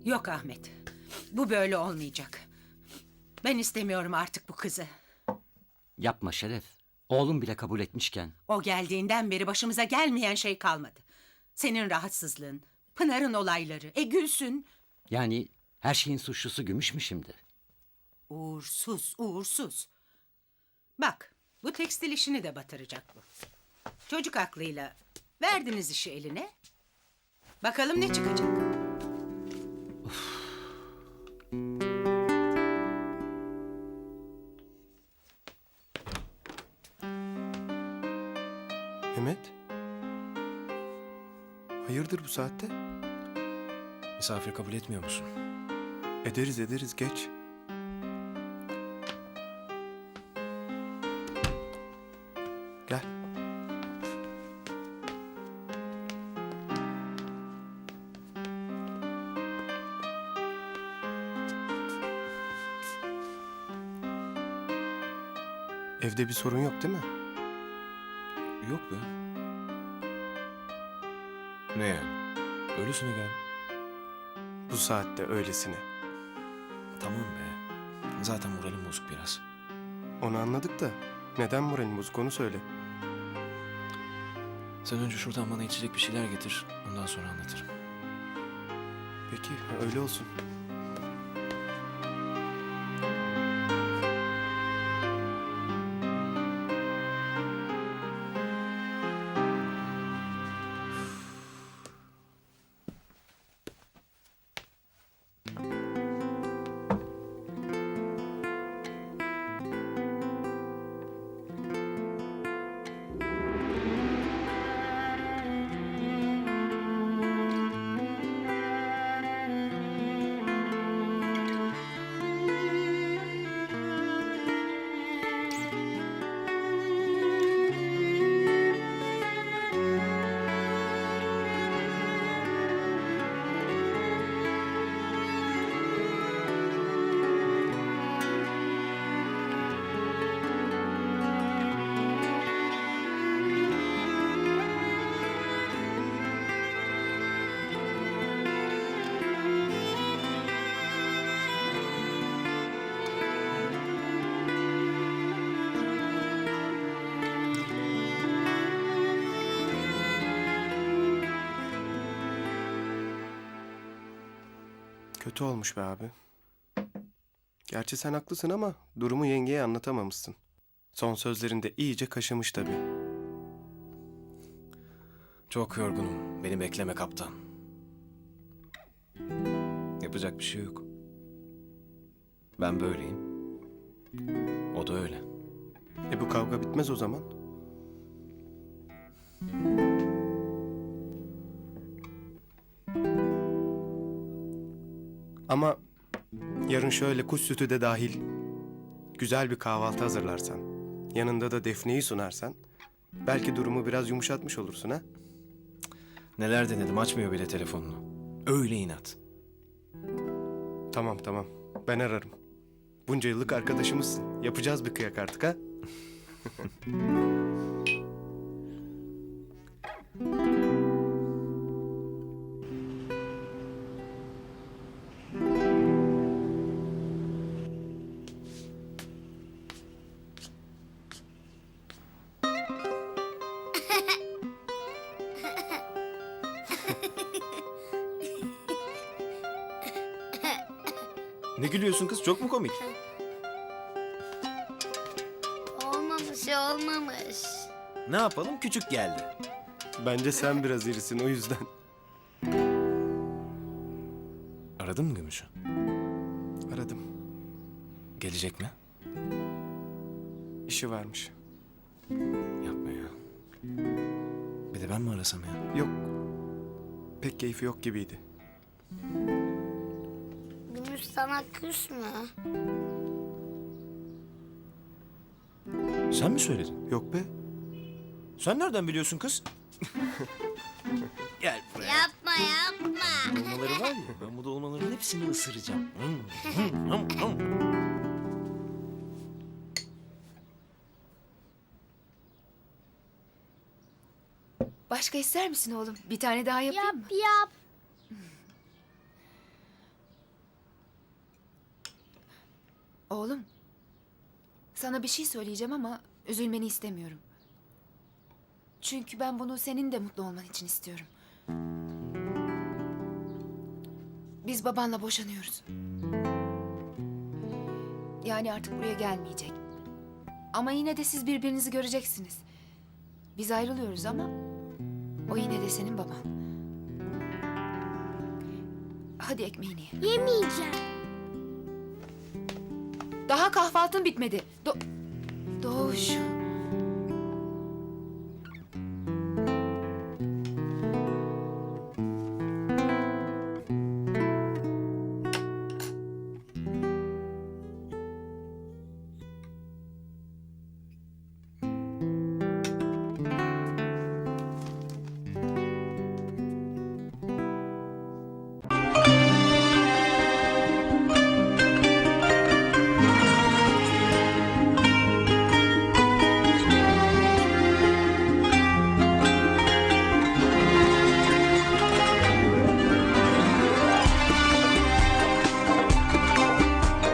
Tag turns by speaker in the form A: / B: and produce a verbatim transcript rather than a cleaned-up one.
A: Yok Ahmet. Bu böyle olmayacak. Ben istemiyorum artık bu kızı.
B: Yapma Şeref. Oğlum bile kabul etmişken.
A: O geldiğinden beri başımıza gelmeyen şey kalmadı. Senin rahatsızlığın, Pınar'ın olayları, e Gülsün.
B: Yani her şeyin suçlusu Gümüş mü şimdi?
A: Uğursuz, uğursuz. Bak, bu tekstil işini de batıracak bu. Çocuk aklıyla verdiniz işi eline. Bakalım ne çıkacak?
C: Mehmet? Hayırdır bu saatte?
D: Misafir kabul etmiyor musun?
C: Ederiz ederiz geç. Gel. Evde bir sorun yok değil mi?
D: Yok be. Ne yani? Öylesine gel.
C: Bu saatte öylesine.
D: Tamam be. Zaten moralim bozuk biraz.
C: Onu anladık da neden moralin bozuk onu söyle.
D: Sen önce şuradan bana içecek bir şeyler getir. Ondan sonra anlatırım.
C: Peki öyle olsun. Kötü olmuş be abi. Gerçi sen haklısın ama durumu yengeye anlatamamışsın. Son sözlerinde iyice kaşımış tabii.
D: Çok yorgunum. Beni bekleme kaptan. Yapacak bir şey yok. Ben böyleyim. O da öyle.
C: E bu kavga bitmez o zaman. Ama yarın şöyle kuş sütü de dahil güzel bir kahvaltı hazırlarsan, yanında da Defne'yi sunarsan belki durumu biraz yumuşatmış olursun ha.
D: Neler denedim, açmıyor bile telefonunu. Öyle inat.
C: Tamam tamam, ben ararım. Bunca yıllık arkadaşımızsın. Yapacağız bir kıyak artık ha.
D: Ne gülüyorsun kız? Çok mu komik?
E: Olmamış, olmamış.
D: Ne yapalım? Küçük geldi.
C: Bence sen biraz irisin o yüzden.
D: Aradın mı Gümüş'ü?
C: Aradım.
D: Gelecek mi?
C: İşi varmış.
D: Yapma ya. Bir de ben mi arasam ya?
C: Yok. Pek keyfi yok gibiydi.
E: Gümüş sana küs mü?
D: Sen mi söyledin?
C: Yok be.
D: Sen nereden biliyorsun kız? Gel buraya.
E: Yapma, yapma.
D: Dolmaları var ya, ben bu dolmaların hepsini ısıracağım. Hmm, hmm, hmm, hmm.
F: Başka ister misin oğlum? Bir tane daha yapayım
E: Yap,
F: mı?
E: yap.
F: Oğlum, sana bir şey söyleyeceğim ama üzülmeni istemiyorum. Çünkü ben bunu senin de mutlu olman için istiyorum. Biz babanla boşanıyoruz. Yani artık buraya gelmeyecek. Ama yine de siz birbirinizi göreceksiniz. Biz ayrılıyoruz ama o yine de senin baban. Hadi ekmeğini ye.
E: Yemeyeceğim.
F: Daha kahvaltın bitmedi. Do Doğuş.